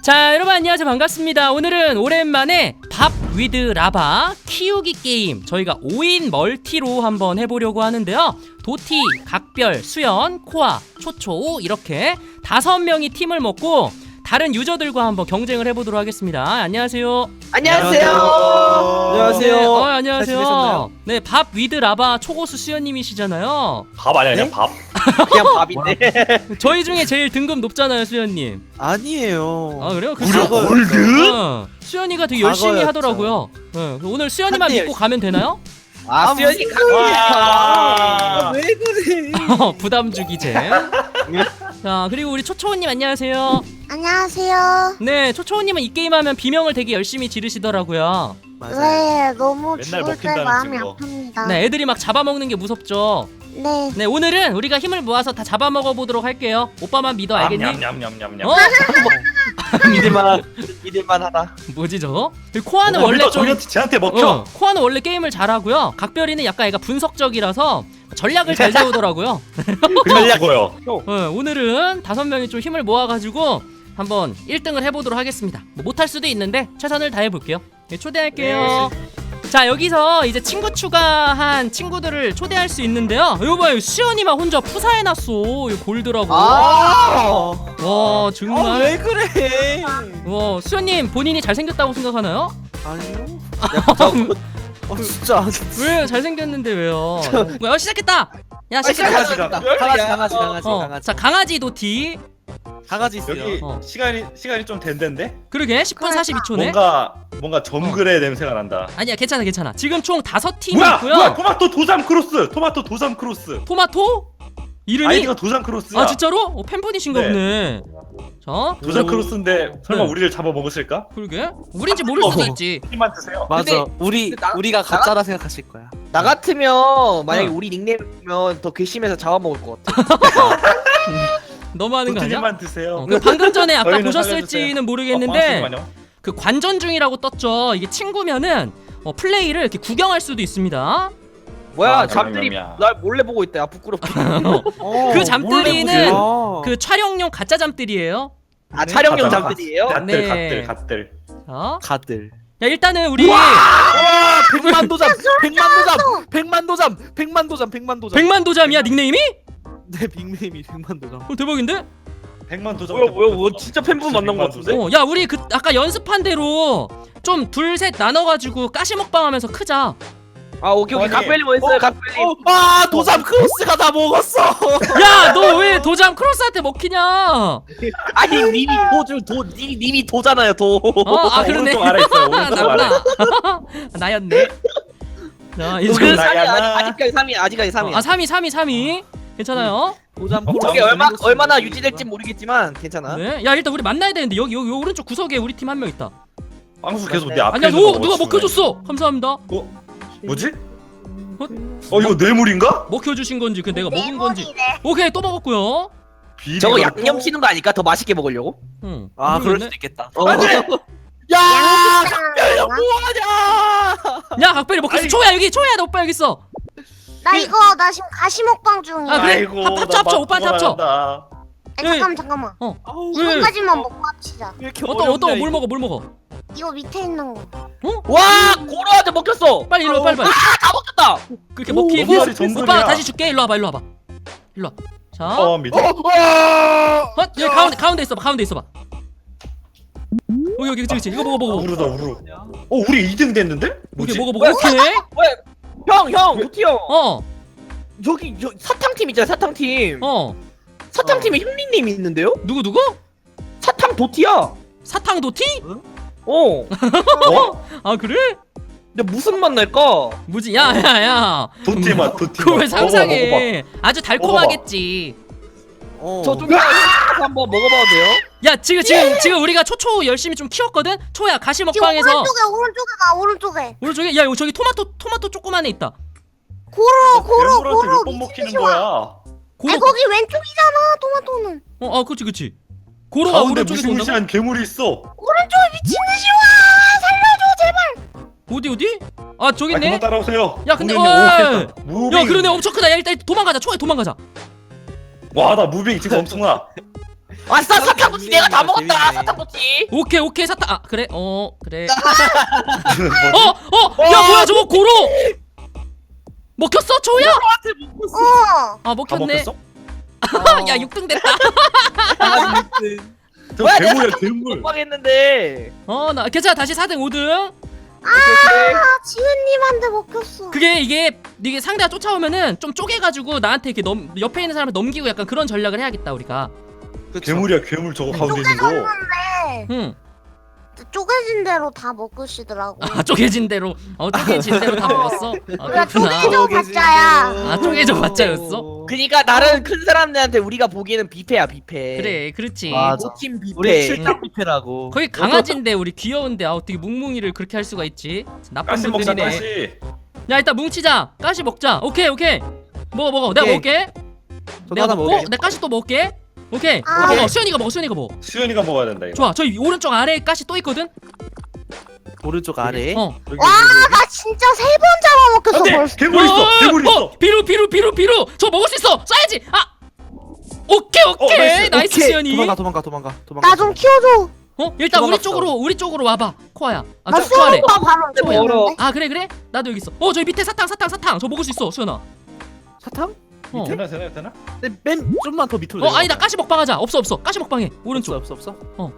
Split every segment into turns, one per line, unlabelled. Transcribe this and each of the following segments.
자, 여러분 안녕하세요. 반갑습니다. 오늘은 오랜만에 밥 위드 라바 키우기 게임 저희가 5인 멀티로 한번 해보려고 하는데요. 도티, 각별, 수연, 코아, 초초 이렇게 5명이 팀을 먹고 다른 유저들과 한번 경쟁을 해보도록 하겠습니다. 안녕하세요.
안녕하세요.
안녕하세요.
안녕하세요. 네, 밥 위드 라바 초고수 수연님이시잖아요.
밥 아니야 그냥
네?
밥.
그냥 밥인데.
저희 중에 제일 등급 높잖아요, 수연님.
아니에요.
아, 그래요?
무려 골드?
수연이가 되게 열심히
과거였죠.
하더라고요. 오늘 수연이만
한때
믿고 가면 되나요?
아, 수연이
와.
왜 그래?
부담 주기 잼. 자, 그리고 우리 초초우님 안녕하세요.
안녕하세요.
네, 초초우님은 이 게임하면 비명을 되게 열심히 지르시더라고요.
맞아요.
네, 너무
맨날
죽을 때
먹힌다는
마음이
증거.
아픕니다.
네, 애들이 막 잡아먹는 게 무섭죠.
네.
네, 오늘은 우리가 힘을 모아서 다 잡아먹어 보도록 할게요. 오빠만 믿어, 알겠니?
냠냠냠냠냠.
어?
믿을만하다.
뭐지 저거? 그리고 코아는 원래 좀
쟤한테 먹혀.
코아는 원래 게임을 잘하고요. 각별이는 약간 애가 분석적이라서 전략을 잘 세우더라고요.
그냥 죽어요.
오늘은 5명이 좀 힘을 모아가지고 한번 1등을 해보도록 하겠습니다. 뭐 못할 수도 있는데 최선을 다해볼게요. 네, 초대할게요. 자, 여기서 이제 친구 추가한 친구들을 초대할 수 있는데요. 이거 봐요, 수연이만 혼자 푸사해놨어. 이거 골드라고. 와, 정말.
왜 그래?
와, 수연님 본인이 잘생겼다고 생각하나요?
아니요. 진짜.
왜 잘생겼는데 왜요? 뭐야, 시작했다. 야, 시작했다.
강아지.
자, 강아지 도티.
강아지 있어요.
여기
어.
시간이 좀 된댄데.
그러게 10분 42초네.
뭔가 정글의 냄새가 난다.
아니야, 괜찮아. 지금 총 5팀이
뭐야?
있고요.
뭐야? 토마토 도잠 크로스.
토마토? 이름이?
아이디가 도잠 크로스야.
아, 진짜로? 팬분이신가
네.
보네. 자,
도잠 크로스인데 설마
네.
우리를 잡아 먹으실까?
그러게. 우린지 모를 수도 있지.
힘만 드세요.
맞아.
근데
우리가 가짜라 생각하실 거야.
나 같으면 만약에
응.
우리 닉네임이면 더 괘씸해서 잡아먹을 것 같아.
너무 하는 거 아니야?
도티님만 드세요.
그 방금 전에 아까
저희는
보셨을지는
살려주세요.
모르겠는데
잠깐만요.
그 관전 중이라고 떴죠. 이게 친구면은 플레이를 이렇게 구경할 수도 있습니다.
뭐야,
아,
잠들이
냠냠냠.
날 몰래 보고 있다. 야, 부끄럽게.
그 잠들이는
어.
그 촬영용 가짜 잠들이에요.
아, 촬영용
가자.
잠들이에요?
네.
갓들.
자,
가들.
야, 일단은 우리
100만 도잠. 100만 도잠. 100만 도잠.
100만 도잠이야 닉네임이?
네, 빅네임이 100만 도잠.
대박인데?
100만 도전.
뭐야, 진짜 팬분 만난 것 같은데?
야, 우리 그 아까 연습한 대로 좀 둘 셋 나눠가지고 가시 먹방하면서 크자.
아, 오케이.
아니,
각별님 어딨어요, 각별님?
아, 도잠 크로스가 다 먹었어.
야, 너 왜 도잠 크로스한테 먹히냐?
아니, 님이 도잖아요, 도.
아, 그러네.
오른쪽 아래 있어요. 오른쪽 아래.
나구나. 나였네. 자, 이제
그
나야나.
3위, 아직까지 3위.
3위. 괜찮아요?
도잠
저게 얼마나 유지될지 모르겠지만 괜찮아.
네. 야, 일단 우리 만나야 되는데 여기 오른쪽 구석에 우리 팀 한 명 있다.
빵수 계속 내 앞에
아니야,
있는 거
누가
먹어주네.
먹혀줬어. 감사합니다.
뭐지? 이거 뇌물인가?
먹혀주신 건지 그 내가 먹은 건지.
네모니네.
오케이, 또 먹었고요.
저거
비리가-
양념 치는 거 아닐까? 더 맛있게 먹으려고?
응.
아, 그럴
모르겠네.
수도 있겠다.
야!
양념장.
뭐하냐?
야, 각별이 먹혔어. 초야 여기, 초야 너 오빠 여기 있어.
나 지금 가시 먹방 중이야.
아, 그래?
아이고,
합쳐,
나
오빠한테
맛
합쳐.
보관한다.
잠깐만.
아우,
왜?
이거까지만 먹고 합시다.
왜 이렇게
어떤
어렵냐,
뭘
이거.
먹어?
이거 밑에 있는 거.
와! 고로한테 먹혔어!
빨리 일로 와, 빨리.
다 먹혔다!
그렇게
오,
먹히고
너무 정글이야.
오빠 다시 줄게. 일로 와봐. 일로 와. 자,
밑에.
여기 가운데 있어봐. 여기 그치. 이거 먹어.
우르다 우르. 우리 2등 됐는데? 뭐지?
오케이, 먹어. 오케이.
왜? 형! 도티 형!
어.
저기 사탕팀 있잖아, 사탕팀. 사탕팀에 힐링님이 있는데요?
누구?
사탕 도티야!
사탕 도티?
어.
아, 그래?
근데 무슨 맛 날까?
뭐지? 야.
도티 맛, 도티
그걸 왜
맛.
상상해? 아주 달콤하겠지.
저좀 한번 먹어봐도 돼요?
야, 지금 우리가 초초 열심히 좀 키웠거든. 초야 가시
지금
먹방에서
오른쪽에 가. 오른쪽에.
오른쪽에 야, 저기 토마토 조그만에 있다.
고로.
몇번 먹히는 거야?
고로.
거기 왼쪽이잖아. 토마토는.
그치. 고로가
가운데
오른쪽에서 온다고?
무시무시한 괴물이 있어.
오른쪽에 미친 듯이 와. 살려줘 제발.
어디? 아, 저기 있네.
그만 따라오세요.
야, 근데
공연이
와.
오겠다. 무빙.
야, 그러네. 엄청 크다. 야, 일단 도망가자. 초야 도망가자.
와, 나 무빙 지금 엄청나.
아싸 사탕 도티 내가 다 먹었다.
재밌네.
사탕 도티.
오케이 사탕. 아 그래 그래. 야 뭐야 저거 고로 먹혔어 초야? 아
어.
다
먹혔네.
먹혔어?
야 6등 됐다.
저
뭐야, 내가
괴물이야
사탕
괴물.
먹방했는데.
나 괜찮아 다시 4등 5등.
아 지은님한테 먹혔어.
그게 이게 상대가 쫓아오면은 좀 쪼개가지고 나한테 이렇게 옆에 있는 사람을 넘기고 약간 그런 전략을 해야겠다 우리가.
괴물이야 괴물 저거 가운데 있는 거.
쪼개졌는데
응.
쪼개진 대로 다 먹으시더라고.
아 쪼개진 대로 쪼개진 대로 다 먹었어. 아
우리가
그렇구나.
쪼개져 봤자야.
아, 쪼개져 봤자였어?
그니까 나는 큰 사람들한테 우리가 보기에는 뷔페야 뷔페.
그래 그렇지.
맞아.
모팀 뷔페.
우리 실력 뷔페라고.
거기 강아지인데 우리 귀여운데 어떻게 뭉뭉이를 그렇게 할 수가 있지? 나쁜
가시 먹자
분들이네.
가시.
야 일단 뭉치자. 가시 먹자. 오케이 먹어 내가
오케이.
먹을게.
저도
내가
하나
먹고
먹을게.
내 가시 또 먹을게. 오케이
아.
먹어. 수현이가 먹어.
수현이가 먹어야 된다 이거.
좋아. 저기 오른쪽 아래에 가시 또 있거든.
오른쪽 아래.
여기,
와, 나 진짜 3번 잡아먹혔어
안돼
벌써.
괴물 있어 괴물 있어.
비루. 저 먹을 수 있어. 쏴야지. 아. 오케이.
나이스.
나이스
오케이.
수현이.
도망가.
나 좀 키워줘.
일단
도망갔어.
우리 쪽으로 와봐. 코아야.
나
코아래.
수영과 바로
멀어.
보였는데.
아 그래? 나도 여기 있어. 저기 밑에 사탕. 저 먹을 수 있어 수현아.
사탕?
되나?
근데 맨 좀만 더 밑으로.
아니다 가시 먹방하자. 없어. 가시 먹방해. 오른쪽.
없어.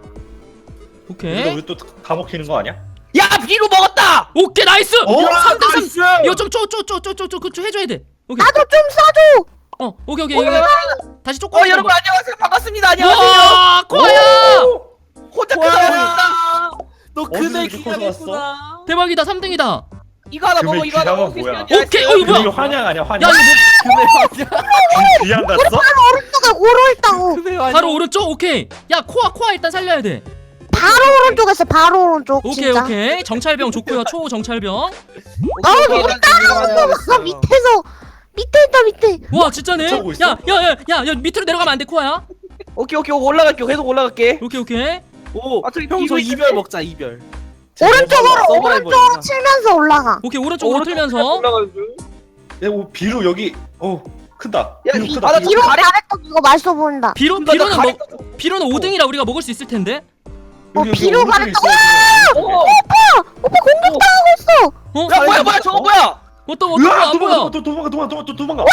오케이.
우리 또 다 먹히는 거 아니야?
야 비루 먹었다.
오케이 나이스. 3등 3.
나이스!
이거 좀 그쪽 해줘야 돼. 오케이.
나도 좀 싸줘.
오케이. 다시 쪼고.
여러분 안녕하세요 반갑습니다. 안녕하세요.
와 코아야.
혼자
코아야.
크다.
너
어디서
그날
이렇게 커서
기다렸구나.
대박이다 3등이다.
이거 하나
금액
먹어. 이거 하나
기량은
먹어.
뭐야?
오케이. 이거
이거
뭐야?
환영 아니야
야
환영.
이거
귀양 갔어?
오른쪽에 고로 있다고.
바로 오른쪽. 오케이. 야 코아 일단 살려야 돼.
바로 오른쪽에서 바로 오른쪽. 진짜.
오케이. 정찰병 좋고요. 초 정찰병.
우리 따라왔어. 밑에서. 밑에 있다 밑에.
와 진짜네.
쫓아오고 있어?
야 밑으로 내려가면 안 돼 코아야.
오케이 올라갈게. 계속 올라갈게.
오케이.
오.
아, 저기
형저
비밀
이별 먹자 이별.
오른쪽으로
서바이벌이구나.
오른쪽으로 치면서 올라가.
오케이 오른쪽으로 틀면서.
올라가는 중.
야, 비루 여기 크다.
야,
비루
이
크다.
바다
비루.
뒤로 잘했던 이거 맛있어 보인다.
비로는 비로는 5등이라 우리가 먹을 수 있을 텐데.
여기, 여기
비루
오른쪽에
가랬다.
있어요.
오빠 공격당하고 있어.
야 뭐야 저거 뭐야?
어떤
으아,
안 보여.
도망가.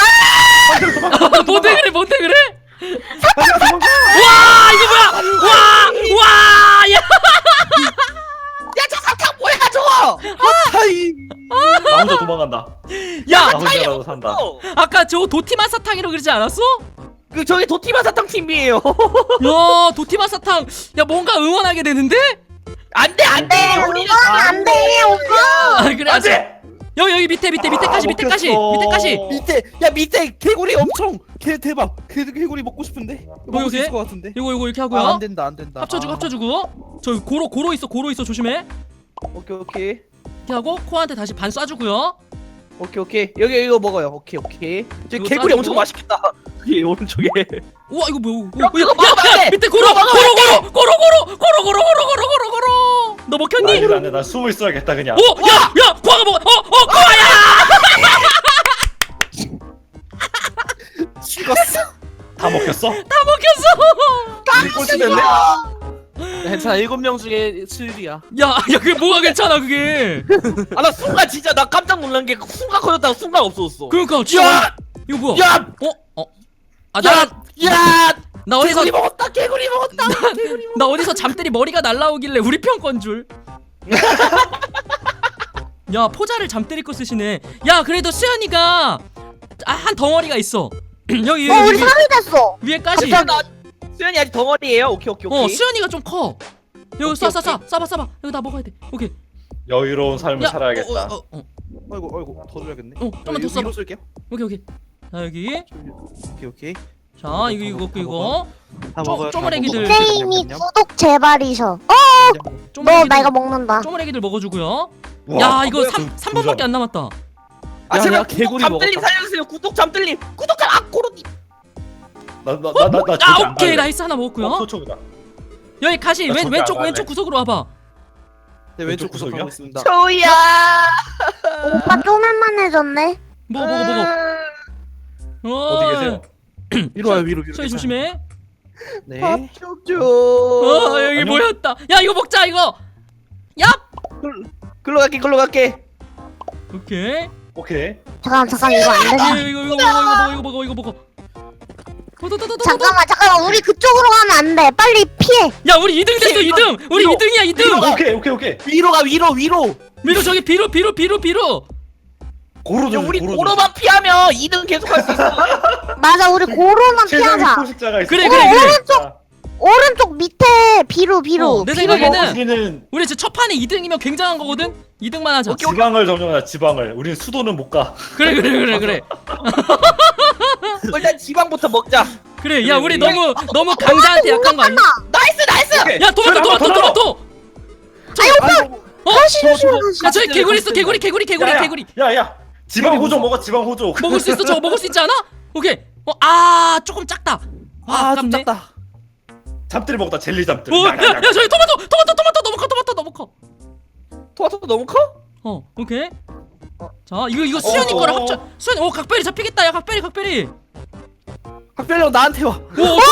뭔데 그래?
도망가.
와 이거 뭐야? 와 야.
야 저 사탕 뭐야 저거?
하이.
나 혼자 도망간다.
야
나 혼자라도 산다.
아까 저 도티마 사탕이라고 그러지 않았어?
그 저기 도티마 사탕 팀이에요.
야 도티마 사탕. 야 뭔가 응원하게 되는데?
안돼 우리는
이건 안 돼, 오빠.
아 그래.
안돼.
여기 밑에까지.
밑에 개구리 엄청 대박. 개구리 먹고 싶은데. 먹을 수
이게?
있을 것 같은데.
이거 이렇게 하고요.
안 된다.
합쳐주고. 저 고로 있어 조심해.
오케이
이렇게 하고 코한테 다시 반 쏴주고요.
오케이 여기 이거 먹어요. 오케이 저
이거
개구리
싸주고.
엄청 맛있겠다. 여기 오른쪽에.
우와 이거 뭐야?
야,
밑에 고로. 너 먹혔니?
안돼 나 숨어 있어야겠다 그냥.
야 코아가 먹어. 코아야.
죽었어.
다 먹혔어?
다 먹혔어.
우리 꼴찌 됐네.
괜찮아. 7명 중에 7이야.
야 그게 뭐가 괜찮아 그게.
나 순간 진짜 나 깜짝 놀란 게 순간 커졌다가 순간 없어졌어.
그러니까 진짜. 이거 뭐야?
야!
나 어디서
개구리 먹었다.
나 어디서 잠들이 머리가 날라오길래 우리 편 건 줄. 야 포자를 잠들이 거 쓰시네. 야 그래도 수연이가 한 덩어리가 있어. 여기
우리 3위 됐어.
위에까지.
수현이 아직 덩어리예요. 오케이.
수연이가 좀 커. 여기 쏴봐. 여기 다 먹어야 돼. 오케이.
여유로운 삶을
야,
살아야겠다.
아이고 더 줘야겠네.
좀만 더 써봐.
위로 쓸게요.
오케이. 자 여기.
오케이.
자 이거.
다 먹어요.
쪼머리기들.
게임이 구독 제발이셔. 너 나 이거 먹는다.
쪼머리기들 먹어주고요.
와,
야 이거
뭐야,
3번밖에 안 남았다.
아 제발
야,
구독
개구리
잠들림
먹었다.
살려주세요. 구독 잠들림. 고로니.
나
오케이 나이스 하나 먹었고요.
소초보다.
여기 가시
나 저기 안
왼쪽
갈래.
구석으로 와봐.
네, 왼쪽
왼쪽
구석하고
구석이요?
있습니다.
초야.
오빠 쪼맨만해졌네.
먹어.
어디 계세요?
위로 와요. 위로.
저기 조심해.
네.
밥좀 줘.
여기
안녕?
모였다. 야 이거 먹자 이거. 야.
글로 갈게.
오케이.
오케이.
잠깐 이거 안 되나?
이거 먹어.
잠깐만 우리 그쪽으로 가면 안 돼. 빨리 피해.
야 우리 2등 됐어 2등. 우리
위로.
2등이야 2등.
오케이.
위로 가 위로.
밀어 저기 비로.
고로
야, 우리 고로만 피하면 2등 계속 할 수 있어.
맞아 우리 고로만
최상위
피하자.
포식자가 있어.
그래.
오른쪽 밑에 비로.
내
이거
생각에는
우리는
우리 지금 첫 판에 2등이면 굉장한 거거든. 2등만 하자.
지방을 점령하자. 지방을. 우린 수도는 못 가.
그래.
일단 지방부터 먹자.
그래. 야 우리 너무 강자한테 약한 거 아니야?
나이스.
오케이.
야 토마토.
다시 조심해.
야 저기 개구리 있어 개구리.
야야. 지방 호족 먹어. 지방 호족.
먹을 수 있어 저거 먹을 수 있지 않아? 오케이. 조금 작다.
좀
아깝네.
작다.
잠들이 먹다 젤리 잠들.
야 저기 토마토 너무 커.
토마토도 너무 커?
오케이. 자 이거 수현이 거랑
어.
합쳐. 수현이 각별이 잡히겠다. 야 각별이.
각별이 형 나한테 와.
우리 바로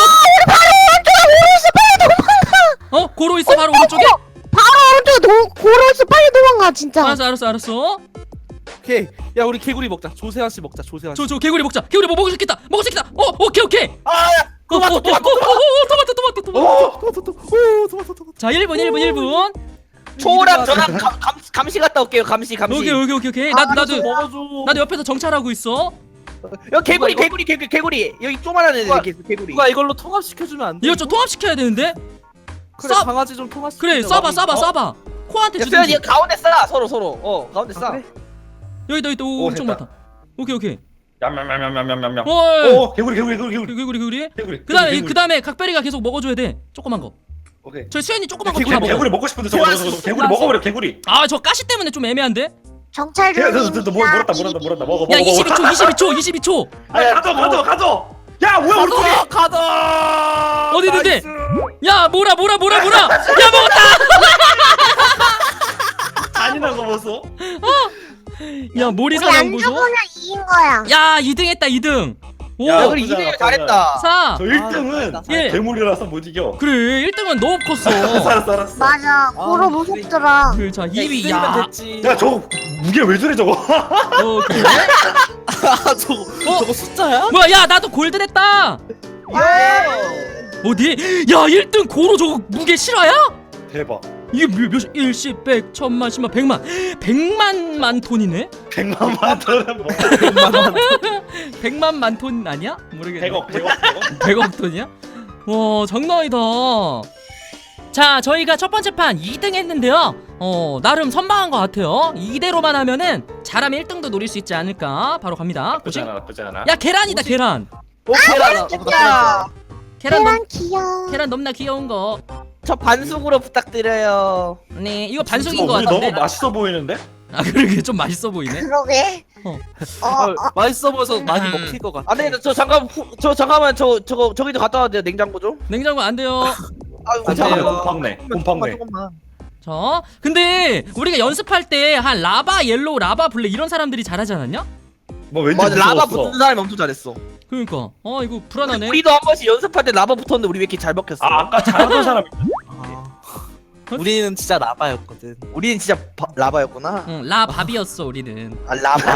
오른쪽 고로 있어 바로 오른쪽에.
바로 오른쪽에 고로있어. 빨리 도망가 진짜.
알았어.
오케이. 야 우리 개구리 먹자. 조세환 씨 먹자. 조세환 씨.
저 개구리 먹자. 개구리 뭐 먹을 수 있겠다. 오케이.
아야.
토마토.
토마토.
자 1분.
초랑 저랑 감시 갔다 올게요. 감시.
오케이. 나도 옆에서 정찰하고 있어.
여기 개구리. 여기 쪼만한 애들 개구리.
누가 이걸로 통합시켜주면 안 돼?
이거 좀 통합시켜야 되는데.
그래
쏴.
강아지 좀 통합시켜.
그래 쏴봐. 코한테
야,
주든지.
수현이 가운데 싸 서로. 가운데 싸.
그래?
여기다 엄청
됐다.
많다. 오케이.
얌얌얌얌얌얌얌.
어.
오 개구리.
그다음에 각별이가 계속 먹어줘야 돼. 조그만 거.
오케이.
저 수현이 조그만 거
개구리
다 먹어.
개구리 먹고 싶은데 저거 개구리 먹어버려 개구리.
저 가시 때문에 좀 애매한데.
정찰 중입니다.
몰았다 먹어.
야 22초.
야 가져. 야 뭐야 우리 팀이.
가자.
어디 있는데? 야 뭐라. 야 먹었다.
잔인한 거 보소.
야
우리
모리사냥
안
보소.
죽으면 이긴 거야.
야 2등 했다 2등. 오.
야,
우리
나쁘지
2등
않아,
잘했다.
4.
저 1등은
예.
괴물이라서 못 이겨.
그래 1등은 너무 컸어.
알았어.
맞아. 고로 무섭더라.
자 2위.
야
야.
됐지.
야 저거 무게 왜 저래 저거?
오케이.
저거 숫자야?
뭐야 야 나도 골든 했다. 어디? 야 1등 고로 저거 무게 실화야?
대박.
이게 몇 1, 10, 100, 1000만, 10만, 100만 톤이네?
100만만 더는 뭐?
100만 만톤 아니야? 모르겠네.
100억.
100억 톤이야? 와 장난 아니다. 자 저희가 첫 번째 판 2등 했는데요. 나름 선방한 것 같아요. 이대로만 하면은 잘하면 1등도 노릴 수 있지 않을까. 바로 갑니다.
나쁘지 않아.
야 계란이다 계란.
야,
계란 귀여워.
계란 너무나 귀여운 거.
저 반숙으로 부탁드려요.
네 이거 반숙인 거
우리
같은데.
너무 맛있어 보이는데?
아 그러게 좀 맛있어 보이네.
그러게.
맛있어 보여서 많이 먹힐 것 같아.
안 되겠다. 잠깐만 저기도 갔다 와야 돼요. 냉장고 좀.
냉장고 안 돼요.
아이고,
곰팡네.
조금만.
자 근데 우리가 연습할 때 한 라바 옐로우 라바 블랙 이런 사람들이 잘하지 않았냐?
뭐 왠지
맞아, 라바
무서웠어.
붙은 사람이 엄청 잘했어.
그러니까 이거 불안하네.
우리도 한 번씩 연습할 때 라바 붙었는데 우리 왜 이렇게 잘 먹혔어?
아까 잘하던 사람.
우리는 진짜 라바였거든.
우리는 진짜 라바였구나.
응 라밥이었어 우리는.
아 라바.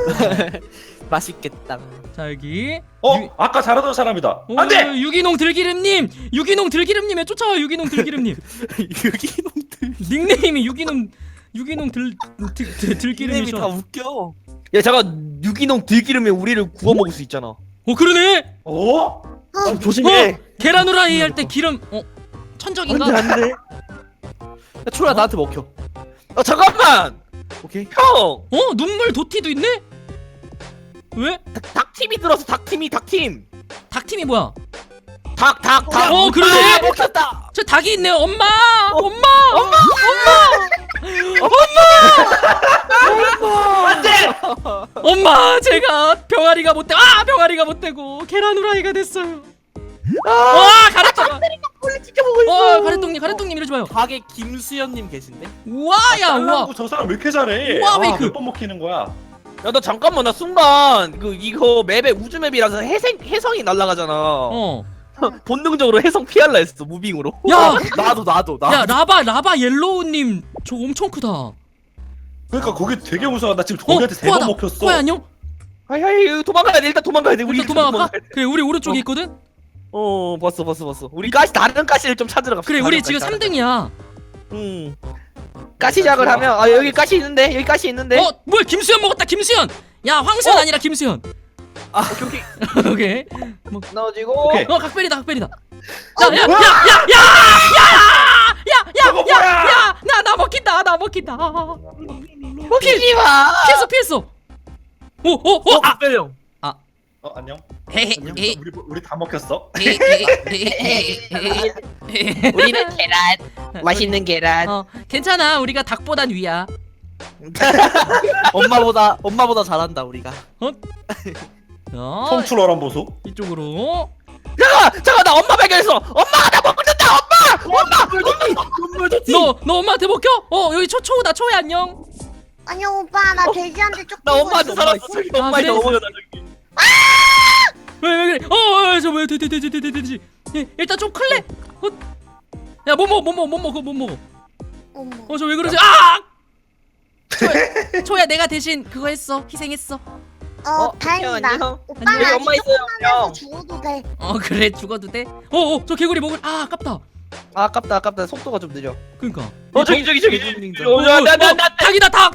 맛있겠다.
자 여기
아까 잘하던 사람이다. 안돼.
유기농 들기름님에 쫓아와 유기농 들기름님.
유기농들.
닉네임이 유기농
이름이 다
들기름이셔.
웃겨.
야 잠깐 유기농 들기름에 우리를 구워 먹을 수 있잖아.
그러네.
조심해.
계란 후라이 할 때 기름 천적인가?
안돼.
야 초야 나한테 먹혀.
잠깐만.
오케이.
형.
눈물 도티도 있네? 왜?
닭팀이 들어서 닭팀.
닭팀이 뭐야?
닭.
그러네.
아, 먹혔다.
저 닭이 있네요. 엄마.
안돼.
엄마 제가 병아리가 못 되고 계란 후라이가 됐어요. 가래떡.
원래 지켜보고 있어.
가래떡님 이러지 마요.
닭에 김수현님 계신데?
우와.
저 사람 왜 이렇게 잘해?
우와, 메이크.
몇 번 먹히는 거야?
야, 너 잠깐만, 나 순간 이거 맵에 우주 맵이라서 해성이 날아가잖아. 본능적으로 해성 피할라 했어 무빙으로.
야!
나도
야 라바 옐로우님 저 엄청 크다.
그러니까 거기 되게 무서워. 나 지금 거기한테 세 번
코아다.
먹혔어.
코아 안녕?
하이 도망가야 돼. 일단 도망가야 돼. 우리
일단 도망갈까? 그래 우리 오른쪽에
어.
있거든?
봤어. 우리 가시 다른 가시를 좀 찾으러 갑시다.
그래 우리
다른
지금
가시.
3등이야.
가시작을 하면 여기 가시 있는데 여기 가시 있는데.
뭐야 김수현 먹었다 김수현! 야 황수현 아니라 김수현.
오케이.
오케이.
넣어지고.
오케이.
각별이다 각별이다.
뭐야? 저거 뭐야?
야야야야야야야야야나 먹힌다 나 먹힌다.
먹히지 마.
피했어. 오오오 아.
형.
안녕.
헤헤헤.
우리 다 먹혔어.
우리는 계란. 맛있는 계란.
괜찮아 우리가 닭보단 위야.
엄마보다 잘한다 우리가.
톰출어란 보소.
이쪽으로.
잠깐 나 엄마 발견했어. 엄마가 나 먹는다. 엄마.
너 엄마한테 먹혀? 여기 초우다 초야 안녕.
안녕 오빠 나 돼지한테 쪽.
나 엄마한테 살았어. 저기 엄마한테
그래?
넘어져 나 저기.
왜 그래? 저왜 돼지. 일단 좀 클래. 야 못 먹어.
어머.
저 왜 그러지? 아! 초야 내가 대신 그거 했어. 희생했어.
다행이다.
안녕.
오빠
여기
나
엄마 있어요,
조금만해서
형.
죽어도 돼.
그래 죽어도 돼. 저 개구리 먹을. 아깝다.
아깝다. 속도가 좀 느려.
그니까.
저기. 나
닭이다 닭.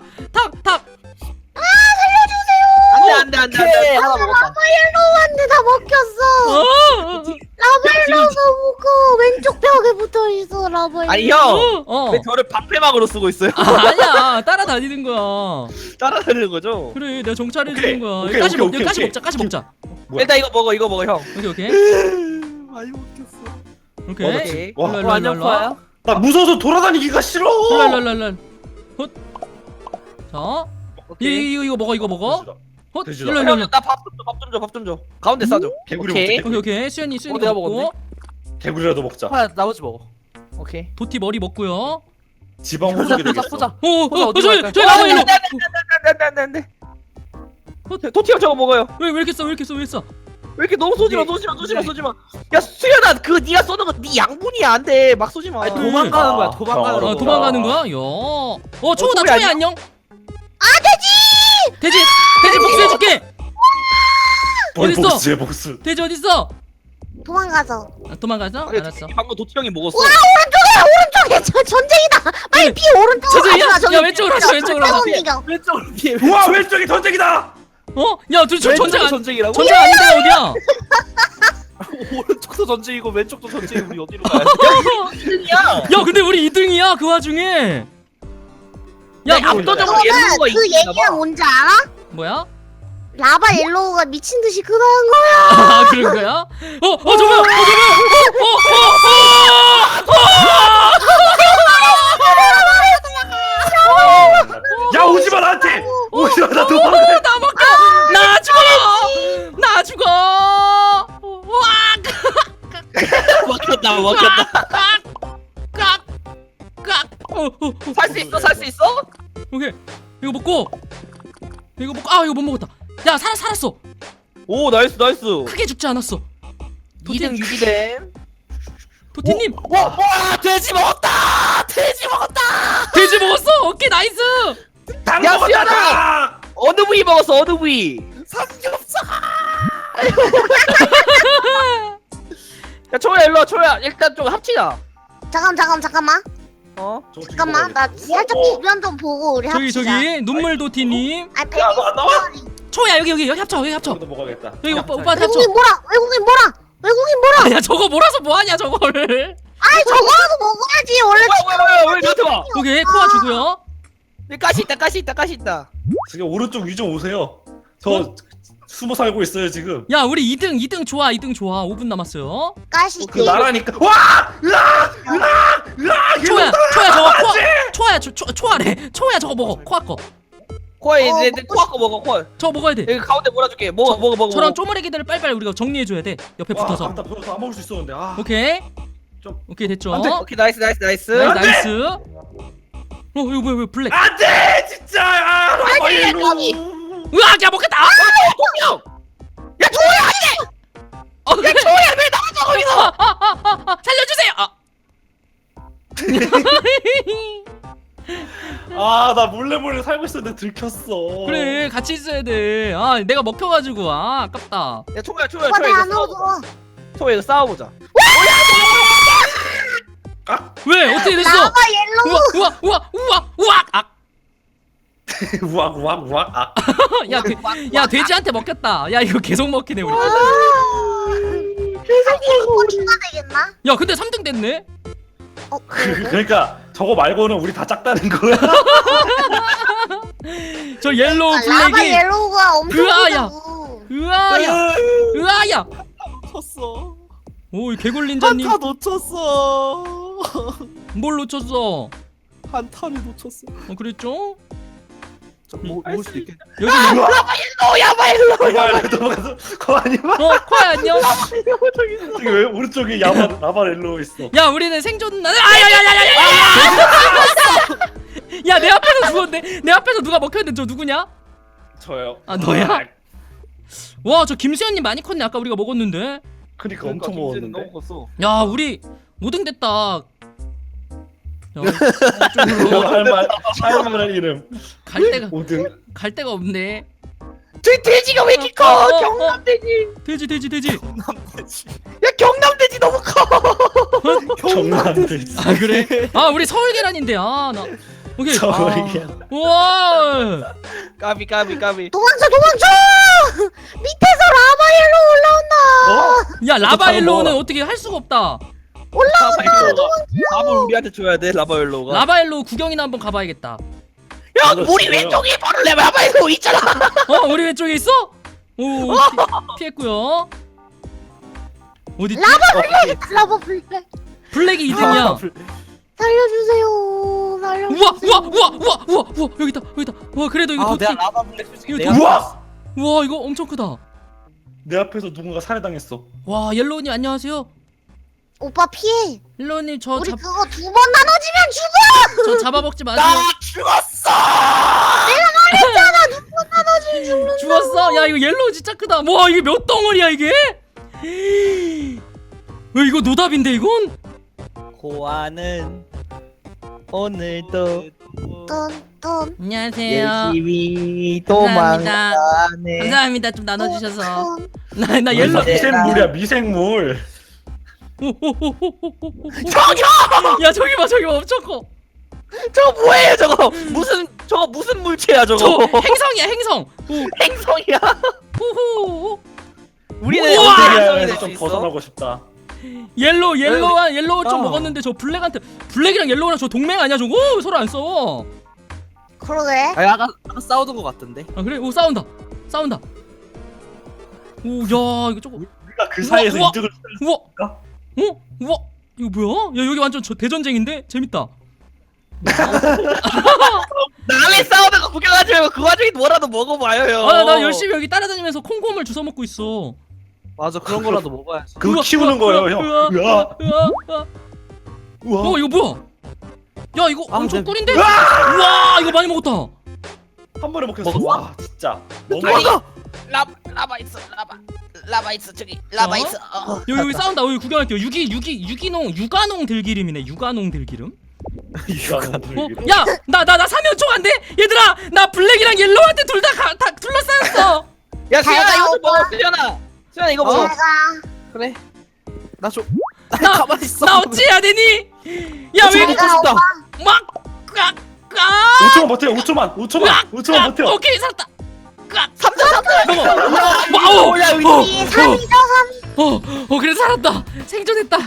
안돼. 하나 먹었다.
라바옐로우한테 다 먹혔어. 라바옐로우가 먹고 왼쪽 벽에 붙어 있어 라바옐로우.
아니 형.
어.
왜 저를 방패막으로 쓰고 있어요?
아니야 따라다니는 거야.
따라다니는 거죠?
그래 내가 정찰해
오케이.
주는 거야.
오케이,
가시
오케이,
가시
오케이.
먹자.
뭐야?
일단 이거 먹어 형.
오케이.
많이 먹혔어.
오케이.
오케이.
와,
일로 와.
안녕 코아야.
나 무서워서 돌아다니기가 싫어.
랄랄랄랄. 자. 이거 먹어.
돼지다.
일로.
나밥 좀 줘. 가운데 싸줘.
개구리
오케이.
먹자.
오케이. 수현이
내가
먹고.
먹었네.
개구리라도 먹자.
코아야 나머지 먹어.
오케이.
도티 머리 먹고요.
지방 호석이 되겠어.
보자.
저기 라바 일로.
안돼. 도티 형 저거 먹어요.
왜 이렇게 써? 왜 써?
왜 이렇게 너무 쏘지 마. 야 수현아 그거 네가 쏘는 거 네 양분이야 안 돼. 막 쏘지 마.
아니 도망가는 거야.
아,
도망가는 거야.
도망가는 거야? 야. 초우다
초야
초야 안녕. 돼지 복수해줄게. 어딨어?
복수해 복수.
돼지 어딨어?
도망가서.
도망가서? 알았어.
방금 도티 형이 먹었어.
오른쪽에 저 전쟁이다. 빨리 피 오른쪽으로
저기야?
가지 마. 저기
야, 왼쪽으로 가자, 왼쪽으로 가자.
절대 못 이겨.
왼쪽으로 피해.
우와 왼쪽이 전쟁이다.
야, 둘 전쟁
전쟁이라고?
전쟁 아닌데 어디야?
오른쪽도 전쟁이고 왼쪽도 전쟁이고 우리 어디로 가야 돼?
야
야, 근데 우리 2등이야 그 와중에.
야
야,
압도적으로
너는
옐로우가
그
이기나
얘기는
봐.
뭔지 알아?
뭐야?
라바옐로우가 미친 듯이 크다는 거야.
그런 거야? 저거야.
야 오지마 나한테. 오지마 나 도망가.
나 먹혀. 나 죽어. 와!
먹혔다. 살 수 있어?
오케이. 이거 먹고. 이거 못 먹었다. 야, 살았어.
오 나이스.
크게 죽지 않았어.
2등 유지됨.
도티님.
와 돼지 먹었다.
돼지 먹었어. 오케이, 나이스.
닭
야,
먹었다.
수연아!
닭!
어느 부위 먹었어? 어느 부위?
삼겹살.
야 초야 일로 와 초야. 일단 좀 합치자.
잠깐만.
저거 지금
잠깐만. 나
먹어야겠다.
살짝 주변 좀 보고 우리 합시다.
저기 눈물 도티님.
아,
야, 너안 나와?
초야 여기 합쳐.
저거도 먹어야겠다.
여기 오빠한테 합쳐.
외국인 뭐라?
야, 저거 몰아서 뭐 하냐 저거를.
아이 저거라도 먹어야지 원래.
왜 나한테 와?
오케이, 코아 주고요.
가시 있다.
지금 오른쪽 위 좀 오세요. 저 숨어 살고 있어요 지금.
야, 우리 2등 좋아. 5분 남았어요.
가시
그 나라니까. 와! 으악!
초야 저거 초아래. 초야 저거 먹어. 코아 거.
코아 이제
먹고
코아 거 먹어 코아.
저거 먹어야 돼.
여기 가운데 몰아줄게. 먹어.
저랑 쪼머리기들을 빨리빨리 우리가 정리해 줘야 돼. 옆에
와,
붙어서.
나 벌써 안 먹을 수 있었는데. 아.
오케이.
좀-
오케이, 됐죠.
안 돼.
오케이 나이스.
나이스. 이거 뭐야 블랙.
안돼 진짜. 아, 라바엘로.
으악, 야 먹겠다.
형.
야, 초야 왜 나한테
아, 나 몰래 살고 있었는데 들켰어.
그래 같이 있어야 돼. 아 내가 먹혀가지고 아깝다.
야 초야
오빠 내
이거
안으로
싸워보자.
들어와.
초야 이거 싸워보자.
왜 어떻게 됐어?
라바 옐로우.
우와 아.
우악. 아,
야 돼지한테 먹혔다. 야 이거 계속 먹히네 우리.
그래서 이거 추가 되겠나?
야 근데 3등 됐네.
그래?
그러니까 저거 말고는 우리 다 작다는 거야.
저 옐로우
라바
블랙이.
옐로우가 엄청
으아야.
크다고.
으아야.
쳤어.
오 개굴린자님
한타 놓쳤어.
뭘 놓쳤어?
한타를 놓쳤어.
그랬죠?
먹을 수도 있겠네.
여기
야바 넘어가서 거아니야?
코야 안녕.
저기 왜 오른쪽에 라바렐로 있어?
야 우리는 생존 아야야야야야야. 야 내 앞에서 죽었네. 내 앞에서 누가 먹혔는데 저 누구냐?
저요.
아, 너야? 와 저 김수현님 많이 컸네. 아까 우리가 먹었는데.
그러니까 엄청 먹었는데.
너무 컸어.
야 우리 5등 됐다. 야,
이거 할만한 이름.
갈 데가 없네.
저 돼지가 왜 이렇게 커? 경남돼지.
돼지.
야 경남돼지 너무 커.
정남돼.
아 그래? 아 우리 서울 계란인데 나 오케이.
저기야.
우와.
까비.
도망쳐. 밑에서 라바 옐로우 올라온다.
야 라바
잘
옐로우는
먹어라.
어떻게 할 수가 없다.
라바 우리한테 줘야 돼 라바엘로가.
라바 옐로우 구경이나 한번 가봐야겠다.
야
그거
우리
진짜요?
왼쪽에 바로 라바엘로 있잖아.
우리 왼쪽에 있어? 오 피했고요. 어디?
라바 블랙.
블랙이 2등이야.
살려주세요.
우와 여기다. 와 그래도 이거 도티.
내가 라바 블랙 솔직히
이거
내가
도-
우와!
와 이거 엄청 크다.
내 앞에서 누군가 살해당했어.
와 옐로우님 안녕하세요.
오빠 피해.
옐로우님
우리
저
그거 2번 나눠지면 죽어.
잡아먹지 마세요.
나 죽었어.
죽었어? 야 이거 옐로우 진짜 크다. 와 이게 몇 덩어리야 이게? 왜 이거 노답인데 이건?
고아는 오늘도
뚠뚠.
안녕하세요.
열심히
감사합니다.
도망가네.
감사합니다. 좀 나눠주셔서.
뚠뚠.
나 옐로우.
미생물이야 미생물.
야 저기 봐 엄청 커.
저거 뭐예요 저거? 무슨 물체야
저
저거?
행성이야 행성.
행성이야.
호호.
우리는
우와!
어떻게 행성이
세계에서
될 수
좀
있어?
벗어나고 싶다.
옐로우 좀
아.
먹었는데 저 블랙한테 블랙이랑 옐로우랑 저 동맹 아니야 저거? 서로 안 써.
그러게.
아까 싸우던 것 같던데.
아 그래? 오 싸운다. 오 야 이거 저거.
우리가 그 사이에서
우와!
이득을
우와.
쓸까?
우와 이거 뭐야? 야 여기 완전 저 대전쟁인데 재밌다.
남의 싸우는 거 구경하지 말고 그 와중에 뭐라도 먹어봐요.
나 열심히 여기 따라다니면서 콩고물 주워 먹고 있어.
맞아 그런 거라도 먹어야지.
그거
우와,
키우는
우와,
거예요, 형.
우와,
우와.
우와. 이거 뭐야? 야 이거 엄청
네.
꿀인데? 우와 이거 많이 먹었다.
한 번에 먹혔어.
먹었어?
와 진짜. 너무
아니, 라바 있어 라바 있어 저기 라바
어?
있어.
여기 싸운다. 여기 구경할게요. 육아농 들기름이네. 육아농 들기름. 야 나 사면총 안 돼? 얘들아 나 블랙이랑 옐로우한테 둘 다 둘러싸였어.
야
잘
수연아
가,
이거 좀
오빠.
먹어 수연아 이거 먹어.
제가
그래. 나 줘.
나
가만히 있어.
나 어찌해야 되니? 야 왜?
먹고 싶다.
막 꽉.
5초만 버텨. 5초만 버텨.
오케이 살았다. 꽉.
3초
와우.
야 여기
이 3이죠
그래 살았다. 생존했다.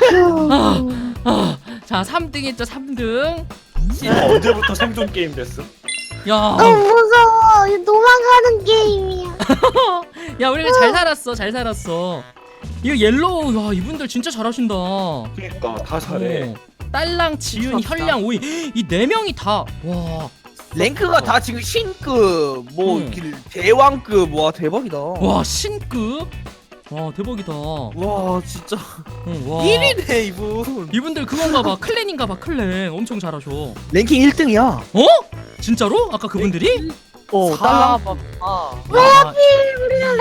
자 3등 했죠 3등.
이거 언제부터 생존 게임 됐어?
야.
너무 무서워. 이거 도망가는 게임이야.
야 우리가 잘 살았어. 이거 옐로우 야 이분들 진짜 잘하신다.
그러니까 다 잘해.
딸랑 지윤 현량 오이 이 4명이 다 와.
랭크가 다 지금 신급 뭐
응.
대왕급 와 대박이다.
와 신급. 와 대박이다.
와 진짜
와.
1위네 이분.
이분들 그건가 봐. 클랜인가 봐. 클랜 엄청 잘하셔.
랭킹 1등이야.
어? 진짜로? 아까 그분들이?
딸랑.
와.
우리는